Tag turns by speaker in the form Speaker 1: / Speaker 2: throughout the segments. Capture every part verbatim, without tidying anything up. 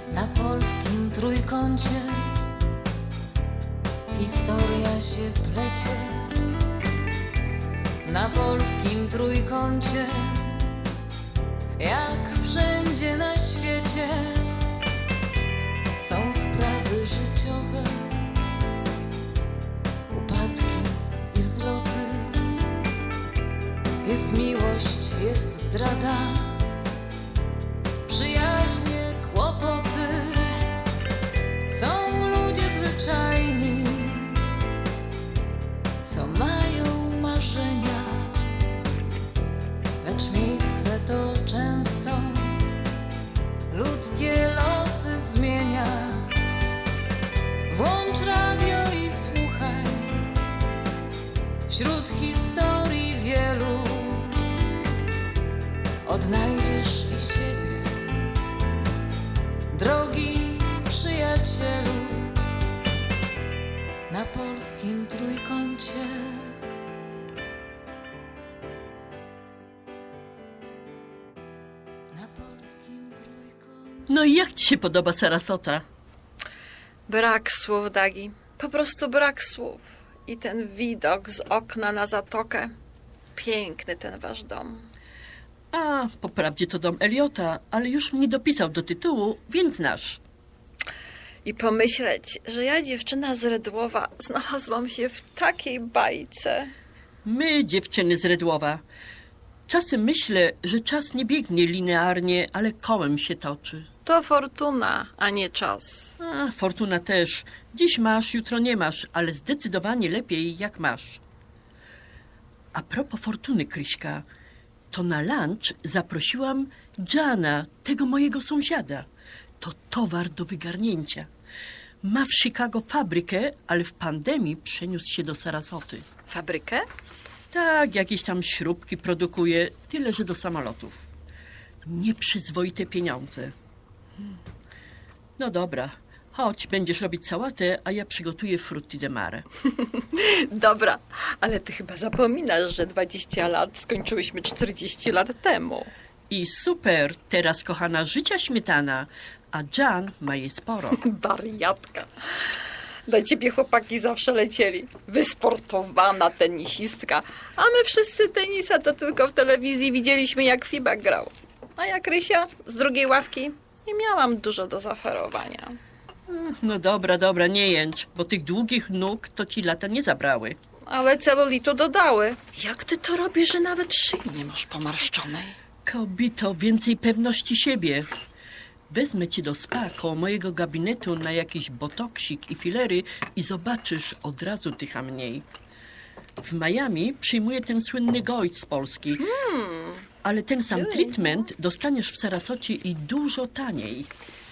Speaker 1: Na polskim trójkącie historia się plecie. Na polskim trójkącie, jak wszędzie na świecie, są sprawy życiowe, upadki i wzloty. Jest miłość, jest zdrada, przyjaźnie, kłopoty. Są ludzie zwyczajni, co mają marzenia, lecz miejsce to często ludzkie losy zmienia. Włącz radio i słuchaj, wśród historii wielu odnajdziesz i siebie, drogi przyjacielu. Na polskim trójkącie. Na polskim trójkącie.
Speaker 2: No i jak ci się podoba Sarasota?
Speaker 3: Brak słów, Dagi. Po prostu brak słów. I ten widok z okna na zatokę. Piękny ten wasz dom.
Speaker 2: A, po prawdzie to dom Eliota, ale już mnie dopisał do tytułu, więc znasz.
Speaker 3: I pomyśleć, że ja, dziewczyna z Redłowa, znalazłam się w takiej bajce.
Speaker 2: My, dziewczyny z Redłowa. Czasem myślę, że czas nie biegnie linearnie, ale kołem się toczy.
Speaker 3: To fortuna, a nie czas.
Speaker 2: A, fortuna też. Dziś masz, jutro nie masz, ale zdecydowanie lepiej jak masz. A propos fortuny, Kryśka, to na lunch zaprosiłam Jana, tego mojego sąsiada. To towar do wygarnięcia. Ma w Chicago fabrykę, ale w pandemii przeniósł się do Sarasoty.
Speaker 3: Fabrykę?
Speaker 2: Tak, jakieś tam śrubki produkuje, tyle że do samolotów. Nieprzyzwoite pieniądze. No dobra, chodź, będziesz robić sałatę, a ja przygotuję frutti de mare.
Speaker 3: Dobra, ale ty chyba zapominasz, że dwadzieścia lat skończyłyśmy czterdzieści lat temu.
Speaker 2: I super, teraz kochana życia śmietana, a Jan ma je sporo.
Speaker 3: Wariatka. Dla ciebie chłopaki zawsze lecieli. Wysportowana tenisistka. A my wszyscy tenisa to tylko w telewizji widzieliśmy, jak Fibak grał. A jak Rysia z drugiej ławki nie miałam dużo do zaoferowania.
Speaker 2: No dobra, dobra, nie jęcz, bo tych długich nóg to ci lata nie zabrały.
Speaker 3: Ale celulitu dodały. Jak ty to robisz, że nawet szyi nie masz pomarszczonej?
Speaker 2: Kobito, więcej pewności siebie. Wezmę cię do spa koło mojego gabinetu na jakiś botoksik i filery i zobaczysz, od razu tycha mniej. W Miami przyjmuje ten słynny gość z Polski.
Speaker 3: Hmm.
Speaker 2: Ale ten sam treatment dostaniesz w Sarasocie i dużo taniej.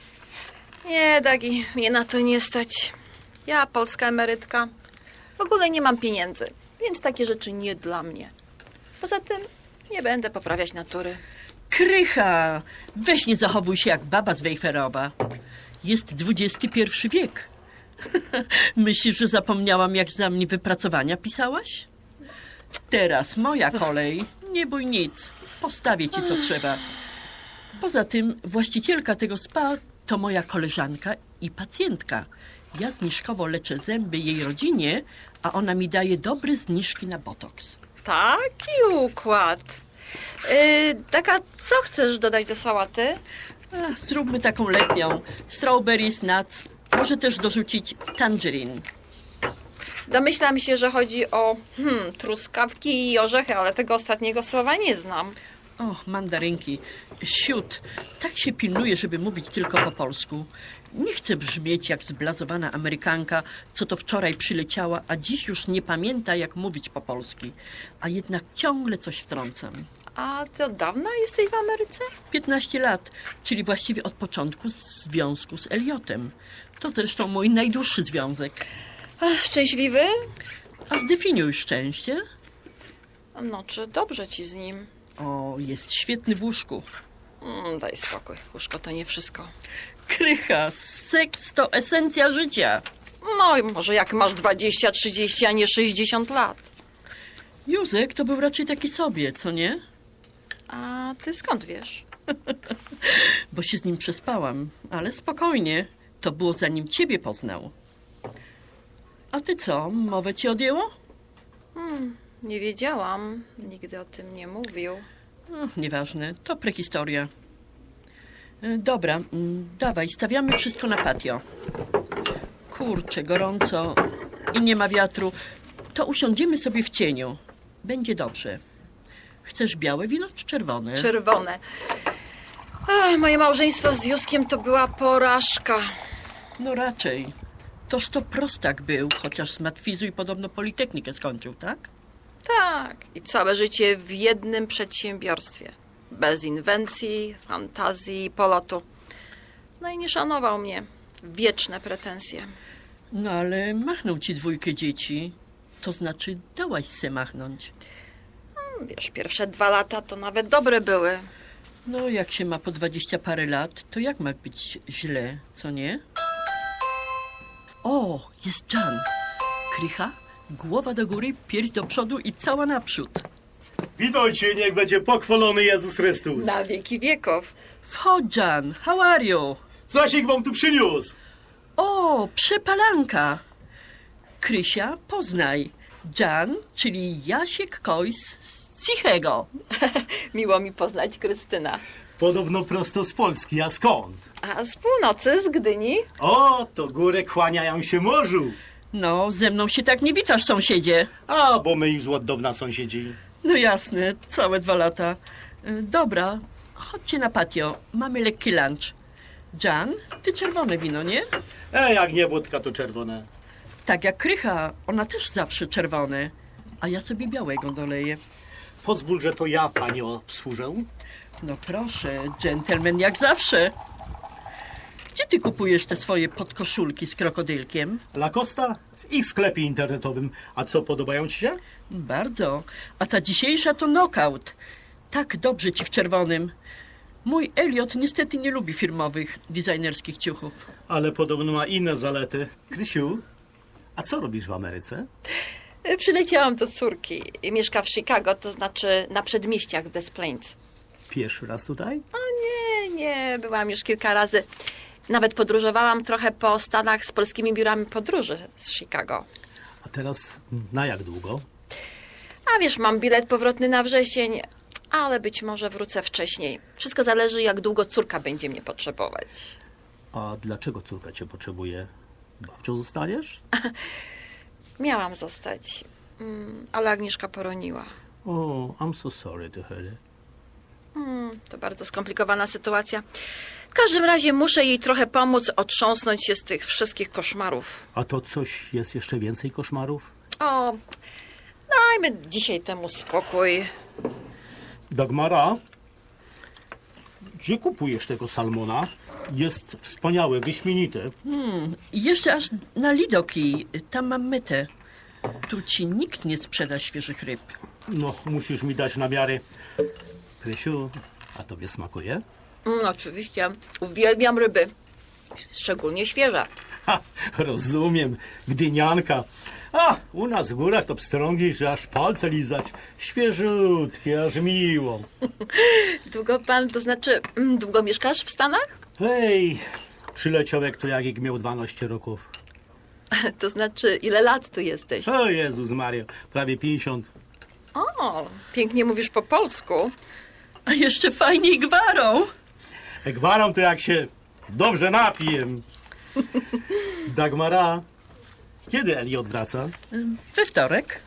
Speaker 3: Nie, Dagi, mnie na to nie stać. Ja, polska emerytka, w ogóle nie mam pieniędzy, więc takie rzeczy nie dla mnie. Poza tym nie będę poprawiać natury.
Speaker 2: Krycha! Weź nie zachowuj się jak baba z Wejherowa. Jest dwudziesty pierwszy wiek. Myślisz, że zapomniałam, jak za mnie wypracowania pisałaś? Teraz moja kolej. Nie bój nic. Postawię ci, co trzeba. Poza tym właścicielka tego spa to moja koleżanka i pacjentka. Ja zniżkowo leczę zęby jej rodzinie, a ona mi daje dobre zniżki na botoks.
Speaker 3: Taki układ. Yy, Taka, co chcesz dodać do sałaty?
Speaker 2: Ach, zróbmy taką letnią. Strawberries, nuts. Może też dorzucić tangerine.
Speaker 3: Domyślam się, że chodzi o hmm, truskawki i orzechy, ale tego ostatniego słowa nie znam.
Speaker 2: O, mandarynki. Siód. Tak się pilnuję, żeby mówić tylko po polsku. Nie chcę brzmieć jak zblazowana Amerykanka, co to wczoraj przyleciała, a dziś już nie pamięta, jak mówić po polski. A jednak ciągle coś wtrącam.
Speaker 3: A ty od dawna jesteś w Ameryce?
Speaker 2: piętnaście lat, czyli właściwie od początku związku z Eliotem. To zresztą mój najdłuższy związek.
Speaker 3: Ach, szczęśliwy?
Speaker 2: A zdefiniuj szczęście.
Speaker 3: No, czy dobrze ci z nim?
Speaker 2: O, jest świetny w łóżku.
Speaker 3: Mm, daj spokój, łóżko to nie wszystko.
Speaker 2: Krycha, seks to esencja życia.
Speaker 3: No i może jak masz dwadzieścia, trzydzieści, a nie sześćdziesiąt lat.
Speaker 2: Józek to był raczej taki sobie, co nie?
Speaker 3: A ty skąd wiesz?
Speaker 2: Bo się z nim przespałam, ale spokojnie. To było zanim ciebie poznał. A ty co, mowę ci odjęło?
Speaker 3: Hmm, nie wiedziałam. Nigdy o tym nie mówił.
Speaker 2: No, nieważne, to prehistoria. E, Dobra, mm, dawaj, stawiamy wszystko na patio. Kurczę, gorąco i nie ma wiatru. To usiądziemy sobie w cieniu. Będzie dobrze. Chcesz białe wino czy czerwone?
Speaker 3: Czerwone. Ach, moje małżeństwo z Józkiem to była porażka.
Speaker 2: No raczej. Toż to prostak był, chociaż z matwizu i podobno politechnikę skończył, tak?
Speaker 3: Tak, i całe życie w jednym przedsiębiorstwie. Bez inwencji, fantazji, polotu. No i nie szanował mnie. Wieczne pretensje.
Speaker 2: No ale machnął ci dwójkę dzieci. To znaczy dałaś se machnąć.
Speaker 3: Wiesz, pierwsze dwa lata to nawet dobre były.
Speaker 2: No jak się ma po dwadzieścia parę lat, to jak ma być źle, co nie? O, jest Jan. Krycha, głowa do góry, pierś do przodu i cała naprzód.
Speaker 4: Witajcie, niech będzie pochwalony Jezus Chrystus.
Speaker 3: Na wieki wieków.
Speaker 2: Wchodź, Jan, how are you?
Speaker 4: Coś wam tu przyniósł.
Speaker 2: O, przepalanka. Krysia, poznaj. Jan, czyli Jasiek Kojs z Cichego.
Speaker 3: Miło mi poznać Krystyna.
Speaker 4: Podobno prosto z Polski, a skąd?
Speaker 3: A z północy, z Gdyni?
Speaker 4: O, to góry kłaniają się morzu.
Speaker 2: No, ze mną się tak nie witasz, sąsiedzie.
Speaker 4: A, bo my już od dawna sąsiedzi.
Speaker 2: No jasne, całe dwa lata. Y, Dobra, chodźcie na patio, mamy lekki lunch. Jan, ty czerwone wino, nie?
Speaker 4: E, jak nie wódka, to czerwone.
Speaker 2: Tak jak Krycha, ona też zawsze czerwone. A ja sobie białego doleję.
Speaker 4: Pozwól, że to ja panią obsłużę.
Speaker 2: No proszę, dżentelmen jak zawsze. Gdzie ty kupujesz te swoje podkoszulki z krokodylkiem?
Speaker 4: Lacosta w ich sklepie internetowym. A co, podobają ci się?
Speaker 2: Bardzo. A ta dzisiejsza to knockout. Tak dobrze ci w czerwonym. Mój Elliot niestety nie lubi firmowych, designerskich ciuchów.
Speaker 4: Ale podobno ma inne zalety. Krysiu, a co robisz w Ameryce?
Speaker 3: Przyleciałam do córki. Mieszka w Chicago, to znaczy na przedmieściach w Des Plaines.
Speaker 4: Pierwszy raz tutaj?
Speaker 3: O nie, nie, byłam już kilka razy. Nawet podróżowałam trochę po Stanach z polskimi biurami podróży z Chicago.
Speaker 4: A teraz na jak długo?
Speaker 3: A wiesz, mam bilet powrotny na wrzesień, ale być może wrócę wcześniej. Wszystko zależy, jak długo córka będzie mnie potrzebować.
Speaker 4: A dlaczego córka cię potrzebuje? Babcią zostaniesz?
Speaker 3: Miałam zostać, mm, ale Agnieszka poroniła.
Speaker 4: O, I'm so sorry to hear it.
Speaker 3: Mm, to bardzo skomplikowana sytuacja. W każdym razie muszę jej trochę pomóc otrząsnąć się z tych wszystkich koszmarów.
Speaker 4: A to coś jest jeszcze więcej koszmarów?
Speaker 3: O, dajmy dzisiaj temu spokój.
Speaker 4: Dagmara, gdzie kupujesz tego salmona? Jest wspaniały, wyśmienity.
Speaker 2: I jeszcze aż na Lidoki, tam mam metę. Tu ci nikt nie sprzeda świeżych ryb.
Speaker 4: No, musisz mi dać namiary. Krysiu, a tobie smakuje?
Speaker 3: Mm, oczywiście, uwielbiam ryby, szczególnie świeże.
Speaker 4: Ha, rozumiem, gdynianka. A, u nas w górach to pstrągi, że aż palce lizać. Świeżutkie, aż miło.
Speaker 3: Długo pan, to znaczy, mm, długo mieszkasz w Stanach?
Speaker 4: Hej, przyleciał jak to jak miał dwanaście roków.
Speaker 3: To znaczy, ile lat tu jesteś?
Speaker 4: O Jezus Maria, prawie pięćdziesiąt.
Speaker 3: O, pięknie mówisz po polsku.
Speaker 2: A jeszcze fajniej gwarą.
Speaker 4: Gwaram to jak się dobrze napiję. Dagmara, kiedy Elliot wraca?
Speaker 2: We wtorek.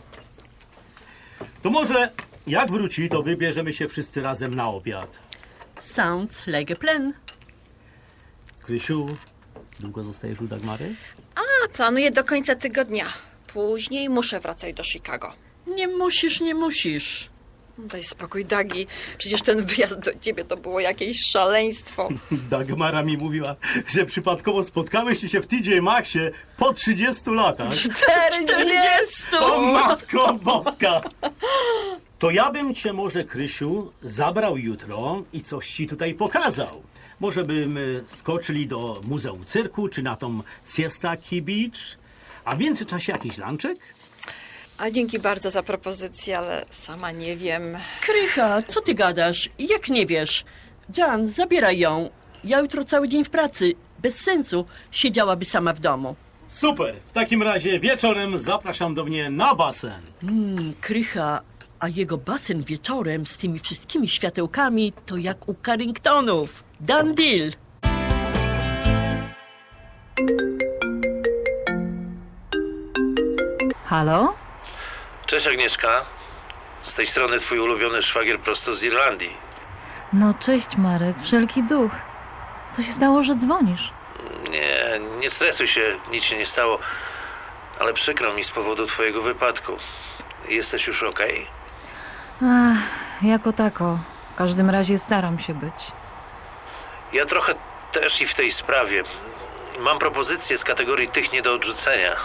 Speaker 4: To może jak wróci, to wybierzemy się wszyscy razem na obiad.
Speaker 2: Sounds like a plan.
Speaker 4: Krysiu, długo zostajesz u Dagmary?
Speaker 3: A, planuję do końca tygodnia. Później muszę wracać do Chicago.
Speaker 2: Nie musisz, nie musisz.
Speaker 3: Daj spokój, Dagi. Przecież ten wyjazd do ciebie to było jakieś szaleństwo.
Speaker 4: Dagmara mi mówiła, że przypadkowo spotkałyście się w T J Maxie po trzydziestu latach.
Speaker 2: Czterdziestu!
Speaker 4: O Matko Boska! To ja bym cię może, Krysiu, zabrał jutro i coś ci tutaj pokazał. Może bym y, skoczyli do Muzeum Cyrku, czy na tą Siesta Key Beach. A w międzyczasie jakiś lunczek?
Speaker 3: A dzięki bardzo za propozycję, ale sama nie wiem.
Speaker 2: Krycha, co ty gadasz? Jak nie wiesz? Jan, zabieraj ją. Ja jutro cały dzień w pracy. Bez sensu. Siedziałaby sama w domu.
Speaker 4: Super, w takim razie wieczorem zapraszam do mnie na basen.
Speaker 2: Mm, Krycha, a jego basen wieczorem z tymi wszystkimi światełkami to jak u Carringtonów. Done deal.
Speaker 3: Halo?
Speaker 5: Cześć Agnieszka, z tej strony twój ulubiony szwagier prosto z Irlandii.
Speaker 1: No cześć Marek, wszelki duch. Co się stało, że dzwonisz?
Speaker 5: Nie, nie stresuj się, nic się nie stało, ale przykro mi z powodu twojego wypadku. Jesteś już okej?
Speaker 1: Ach, jako tako. W każdym razie staram się być.
Speaker 5: Ja trochę też i w tej sprawie. Mam propozycję z kategorii tych nie do odrzucenia.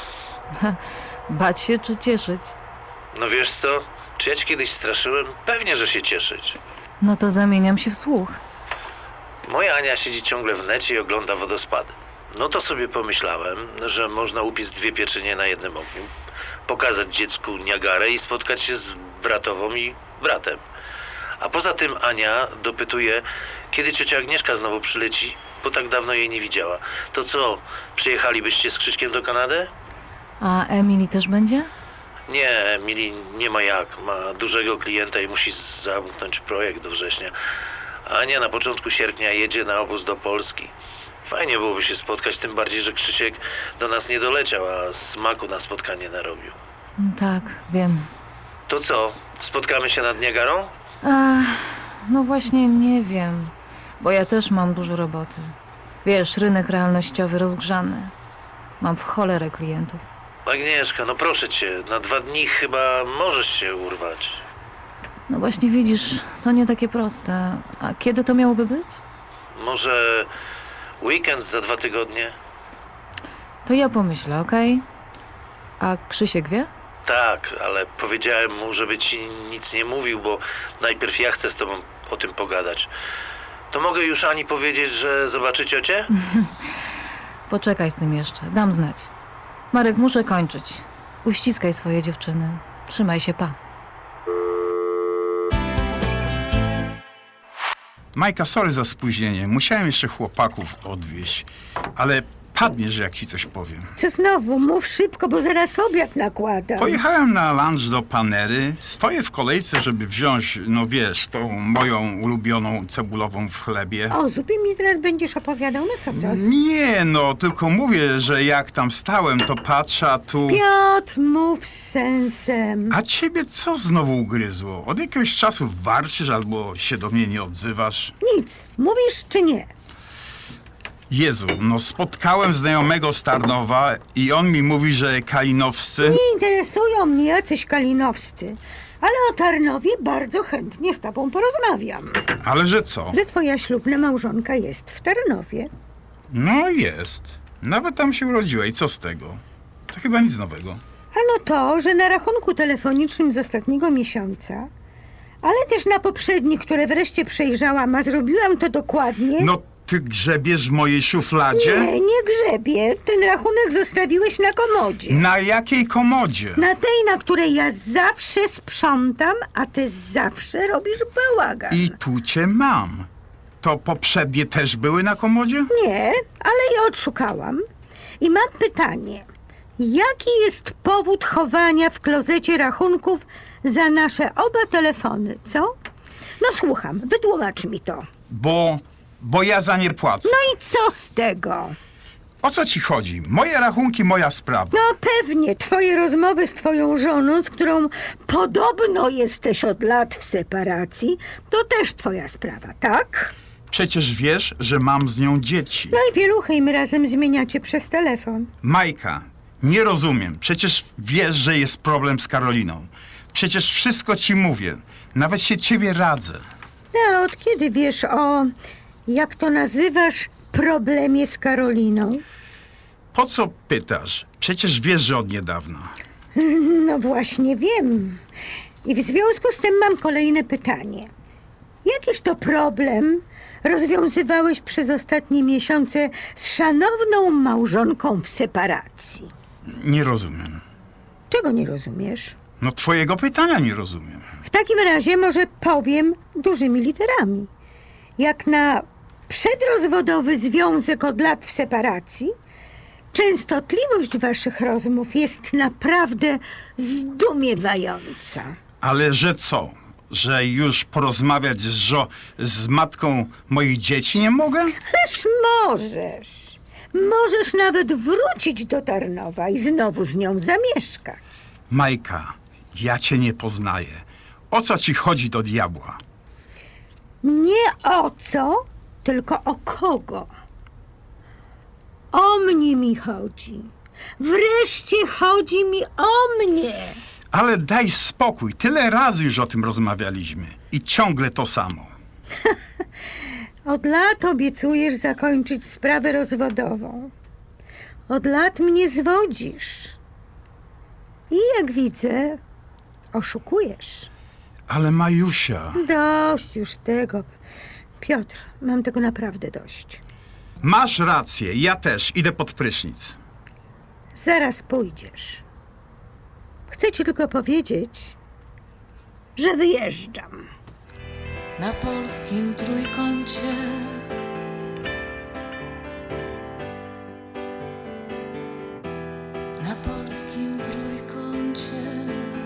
Speaker 1: Bać się czy cieszyć?
Speaker 5: No wiesz co, czy ja cię kiedyś straszyłem? Pewnie, że się cieszyć.
Speaker 1: No to zamieniam się w słuch.
Speaker 5: Moja Ania siedzi ciągle w necie i ogląda wodospady. No to sobie pomyślałem, że można upiec dwie pieczynie na jednym ogniu, pokazać dziecku Niagarę i spotkać się z bratową i bratem. A poza tym Ania dopytuje, kiedy ciocia Agnieszka znowu przyleci, bo tak dawno jej nie widziała. To co, przyjechalibyście z Krzyśkiem do Kanady?
Speaker 1: A Emily też będzie?
Speaker 5: Nie, Emily nie ma jak. Ma dużego klienta i musi zamknąć projekt do września. Ania na początku sierpnia jedzie na obóz do Polski. Fajnie byłoby się spotkać, tym bardziej, że Krzysiek do nas nie doleciał, a smaku na spotkanie narobił.
Speaker 1: Tak, wiem.
Speaker 5: To co, spotkamy się nad Niagarą?
Speaker 1: Ach, no właśnie nie wiem, bo ja też mam dużo roboty. Wiesz, rynek realnościowy rozgrzany. Mam w cholerę klientów.
Speaker 5: Agnieszka, no proszę cię, na dwa dni chyba możesz się urwać.
Speaker 1: No właśnie widzisz, to nie takie proste. A kiedy to miałoby być?
Speaker 5: Może weekend za dwa tygodnie?
Speaker 1: To ja pomyślę, okej? A Krzysiek wie?
Speaker 5: Tak, ale powiedziałem mu, żeby ci nic nie mówił, bo najpierw ja chcę z tobą o tym pogadać. To mogę już Ani powiedzieć, że zobaczy ciocię?
Speaker 1: Poczekaj z tym jeszcze, dam znać. Marek, muszę kończyć. Uściskaj swoje dziewczyny. Trzymaj się, pa.
Speaker 6: Majka, sorry za spóźnienie. Musiałem jeszcze chłopaków odwieźć, ale padniesz, jak ci coś powiem.
Speaker 7: Co znowu? Mów szybko, bo zaraz obiad nakładam.
Speaker 6: Pojechałem na lunch do Panery, stoję w kolejce, żeby wziąć, no wiesz, tą moją ulubioną cebulową w chlebie.
Speaker 7: O, zupie mi teraz będziesz opowiadał, no co to?
Speaker 6: Nie, no, tylko mówię, że jak tam stałem, to patrzę, a tu...
Speaker 7: Piotr, mów z sensem.
Speaker 6: A ciebie co znowu ugryzło? Od jakiegoś czasu warczysz albo się do mnie nie odzywasz?
Speaker 7: Nic. Mówisz czy nie?
Speaker 6: Jezu, no spotkałem znajomego z Tarnowa i on mi mówi, że kalinowscy...
Speaker 7: Nie interesują mnie jacyś kalinowscy. Ale o Tarnowie bardzo chętnie z tobą porozmawiam.
Speaker 6: Ale że co?
Speaker 7: Że twoja ślubna małżonka jest w Tarnowie.
Speaker 6: No jest. Nawet tam się urodziła i co z tego? To chyba nic nowego.
Speaker 7: Ano to, że na rachunku telefonicznym z ostatniego miesiąca, ale też na poprzednich, które wreszcie przejrzałam, a zrobiłam to dokładnie...
Speaker 6: No ty grzebiesz w mojej szufladzie?
Speaker 7: Nie, nie grzebie. Ten rachunek zostawiłeś na komodzie.
Speaker 6: Na jakiej komodzie?
Speaker 7: Na tej, na której ja zawsze sprzątam, a ty zawsze robisz bałagan.
Speaker 6: I tu cię mam. To poprzednie też były na komodzie?
Speaker 7: Nie, ale je odszukałam. I mam pytanie. Jaki jest powód chowania w klozecie rachunków za nasze oba telefony, co? No słucham, wytłumacz mi to.
Speaker 6: Bo... bo ja za nie płacę.
Speaker 7: No i co z tego?
Speaker 6: O co ci chodzi? Moje rachunki, moja sprawa.
Speaker 7: No pewnie, twoje rozmowy z twoją żoną, z którą podobno jesteś od lat w separacji, to też twoja sprawa, tak?
Speaker 6: Przecież wiesz, że mam z nią dzieci.
Speaker 7: No i pieluchy im razem zmieniacie przez telefon.
Speaker 6: Majka, nie rozumiem. Przecież wiesz, że jest problem z Karoliną. Przecież wszystko ci mówię. Nawet się ciebie radzę.
Speaker 7: No, od kiedy wiesz o, jak to nazywasz, problemie z Karoliną?
Speaker 6: Po co pytasz? Przecież wiesz, że od niedawna.
Speaker 7: No właśnie wiem. I w związku z tym mam kolejne pytanie. Jakiż to problem rozwiązywałeś przez ostatnie miesiące z szanowną małżonką w separacji?
Speaker 6: Nie rozumiem.
Speaker 7: Czego nie rozumiesz?
Speaker 6: No twojego pytania nie rozumiem.
Speaker 7: W takim razie może powiem dużymi literami. Jak na przedrozwodowy związek od lat w separacji, częstotliwość waszych rozmów jest naprawdę zdumiewająca.
Speaker 6: Ale że co? Że już porozmawiać z, żo- z matką moich dzieci nie mogę?
Speaker 7: Ależ możesz. Możesz nawet wrócić do Tarnowa i znowu z nią zamieszkać.
Speaker 6: Majka, ja cię nie poznaję. O co ci chodzi do diabła?
Speaker 7: Nie o co, tylko o kogo. O mnie mi chodzi. Wreszcie chodzi mi o mnie.
Speaker 6: Ale daj spokój, tyle razy już o tym rozmawialiśmy. I ciągle to samo.
Speaker 7: Od lat obiecujesz zakończyć sprawę rozwodową. Od lat mnie zwodzisz. I jak widzę, oszukujesz.
Speaker 6: Ale Majusia...
Speaker 7: Dość już tego. Piotr, mam tego naprawdę dość.
Speaker 6: Masz rację, ja też idę pod prysznic.
Speaker 7: Zaraz pójdziesz. Chcę ci tylko powiedzieć, że wyjeżdżam.
Speaker 1: Na polskim trójkącie Na polskim trójkącie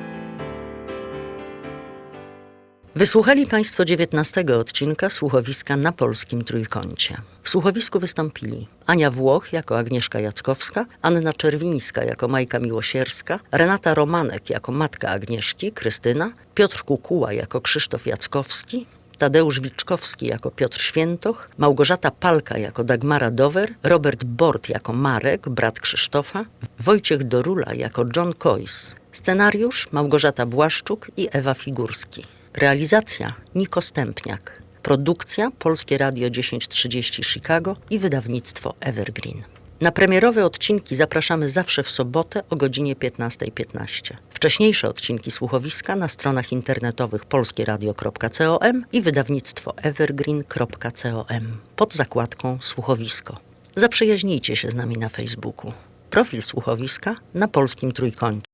Speaker 8: Wysłuchali Państwo dziewiętnastego odcinka słuchowiska Na polskim trójkącie. W słuchowisku wystąpili Ania Włoch jako Agnieszka Jackowska, Anna Czerwińska jako Majka Miłosierska, Renata Romanek jako matka Agnieszki, Krystyna, Piotr Kukuła jako Krzysztof Jackowski, Tadeusz Wiczkowski jako Piotr Świętoch, Małgorzata Palka jako Dagmara Dower, Robert Bort jako Marek, brat Krzysztofa, Wojciech Dorula jako John Coyce. Scenariusz Małgorzata Błaszczuk i Ewa Figurski. Realizacja Niko Stępniak. Produkcja Polskie Radio tysiąc trzydzieści Chicago i wydawnictwo Evergreen. Na premierowe odcinki zapraszamy zawsze w sobotę o godzinie piętnasta piętnaście. Wcześniejsze odcinki słuchowiska na stronach internetowych polskieradio kropka com i wydawnictwo evergreen kropka com pod zakładką Słuchowisko. Zaprzyjaźnijcie się z nami na Facebooku. Profil słuchowiska na polskim trójkącie.